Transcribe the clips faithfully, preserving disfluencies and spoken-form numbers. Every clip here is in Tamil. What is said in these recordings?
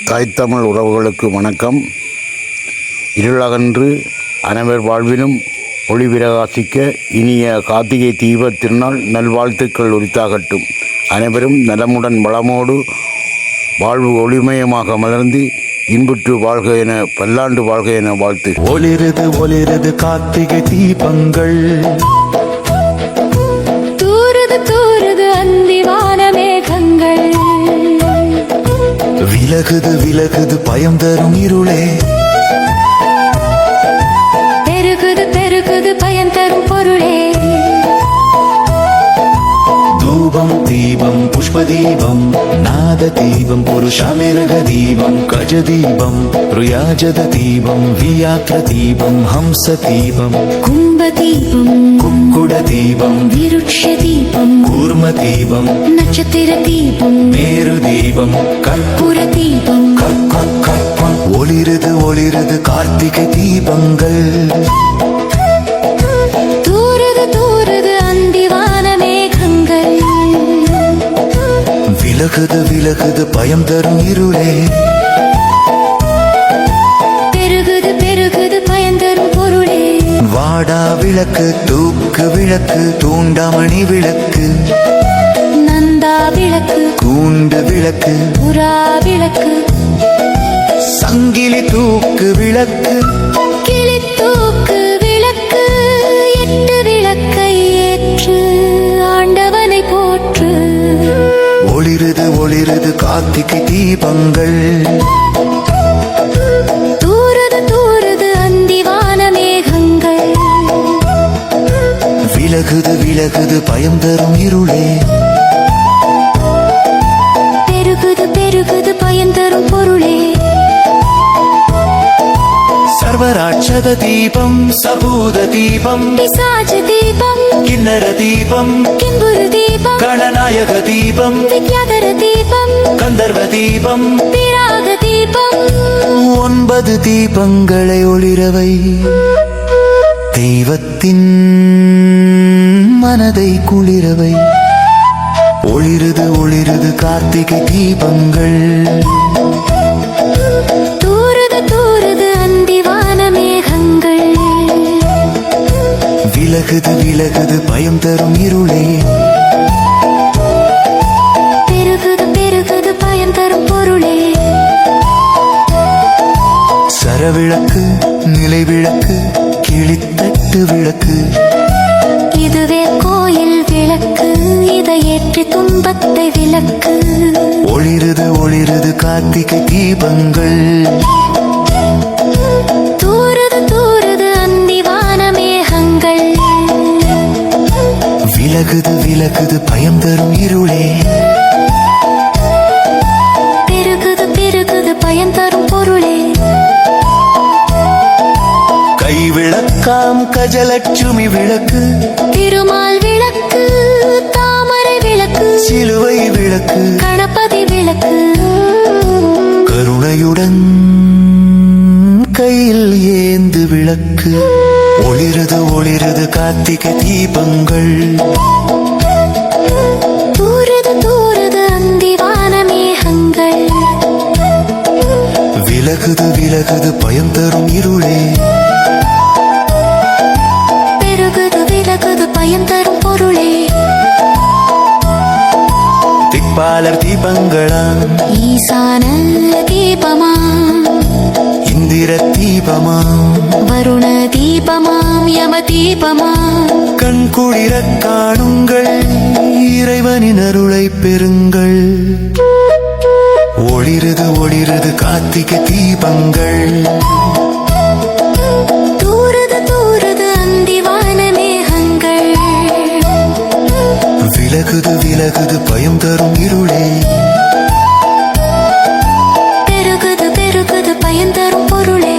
தாய்த்தமிழ் உறவுகளுக்கு வணக்கம். இருளகன்று அனைவர் வாழ்விலும் ஒளி பிரகாசிக்க இனிய கார்த்திகை தீப திருநாள் நல்வாழ்த்துக்கள் உரித்தாகட்டும். அனைவரும் நலமுடன் வளமோடு வாழ்வு ஒளிமயமாக மலர்ந்து இன்புற்று வாழ்க என பல்லாண்டு வாழ்க என வாழ்த்து. ஒளிரது ஒளிரது கார்த்திகை தீபங்கள், தூரது தூரது அந்திவான மேகங்கள், விலகுது விலகுது பயம் தரும் இருளே, பெருகுது பெருகுது பயன் தரும் பொருளே. தூபம் தீபம் புஷ்ப தீபம் நாத தீபம் புருஷாமிருக தீபம் கஜ தீபம் ருயாஜத தீபம் வியாக்ர தீபம் ஹம்ச தீபம் கும்ப தீபம் குக்குட தீபம் விருட்ச தீபம் கூர்ம தீபம் நட்சத்திர தீபம் மேரு தீபம் கற்பூர தீபம். ஒளிரது ஒளிரது கார்த்திகை தீபங்கள், தூரது தூரது அந்திவான மேகங்கள், விலகுது விலகுது பயம் தரும் இருளே, பெருகுது பெருகுது பயன் தரும் பொருளே. வாடா விளக்கு தூக்கு விளக்கு தூண்டாமணி விளக்கு நந்தா விளக்கு கூண்டு விளக்கு புறா விளக்கு சங்கிலி தூக்கு விளக்கு கிளி தூக்கு விளக்கு எட்டு விளக்கை ஏற்று ஆண்டவனை போற்று. ஒளிரது ஒளிரது கார்த்திகை தீபங்கள், தூரது தூரது அந்திவான மேகங்கள், விலகுது விலகுது பயம் தரும் இருளே, பெருகுது பெருகுது பயன் தரும் பொருளே. சர்வராட்சத தீபம் சபூத தீபம் பிசாச தீபம் கிண்ணற தீபம் கிம்புரு தீபம் கணநாயக தீபம் வித்யாதர தீபம் கந்தர்வ தீபம் பிராக தீபம். ஒன்பது தீபங்களை ஒளிரவை தெய்வத்தின் மனதை குளிரவை. ஒளிரது ஒளிரது கார்த்திகை தீபங்கள், தூரது தூரது அந்திவான மேகங்கள், விலகுது விலகுது பயம் தரும் இருளே, பெருகுது பெருகுது பயன் தரும் பொருளே. சரவிளக்கு நிலை விளக்கு கிளித்தட்டு விளக்கு, இதுவே கோயில் விளக்கு இதை ஏற்றி துன்பத்தை விளக்கு. ஒளிரது ஒளிரது கார்த்திகை தீபங்கள், தூரது தூரது அந்திவான மேகங்கள், விலகுது விலகுது பயம் தரும் இருளே, பெருகுது பெருகுது பயன் தரும் பொருளே. கை விளக்காம் கஜலட்சுமி விளக்கு திருமால் விளக்கு தாமரை விளக்கு சிலுவை விளக்கு கணபதி விளக்கு, கருணையுடன் கையில் ஏந்து விளக்கு. ஒளிரது ஒளிரது கார்த்திகை தீபங்கள், தூரது தூரது அந்திவான மேகங்கள், விலகுது விலகுது பயம் தரும் இருளே, பெருகுது விலகுது பயன் தரும் பொருளே. திப்பாலர் தீபங்களாம் ஈசான தீபமாம் இந்திர தீபமாம் வருண தீபமாம் யம தீபமாம், கண் குளிர காணுங்கள் இறைவனின் அருளை பெறுங்கள். ஒளிரது ஒளிரது கார்த்திகை தீபங்கள், தூரது தூரது அந்திவான மேகங்கள், விலகுது விலகுது பயம் தரும் இருளே, பெருகுது பெருகுது பயன் தரும் பொருளே.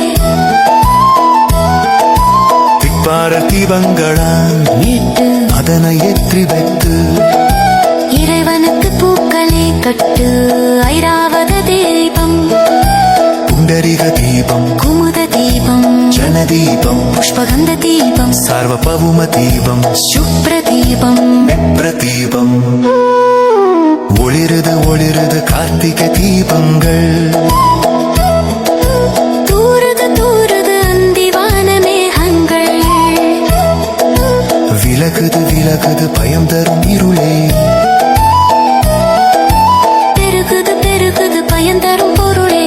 திப்பாலர் தீபங்களாம் எட்டு அதனை ஏற்றி வைத்து இறைவனுக்கு பூக்களே கட்டு ஐராவத தீபம் புண்டரிக தீபம் குமுத தீபம் ஜன தீபம் புஷ்பகந்த தீபம் சார்வபவும தீபம் சுப்ர தீபம் பிரதீபம். ஒளிரது ஒளிரது கார்த்திகை தீபங்கள், விலகுது விலகுது பயம் தரும் இருளே. பெருகுது பெருகுது பயந்தரும் பொருளே.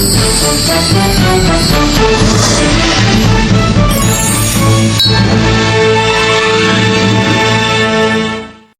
Thank you.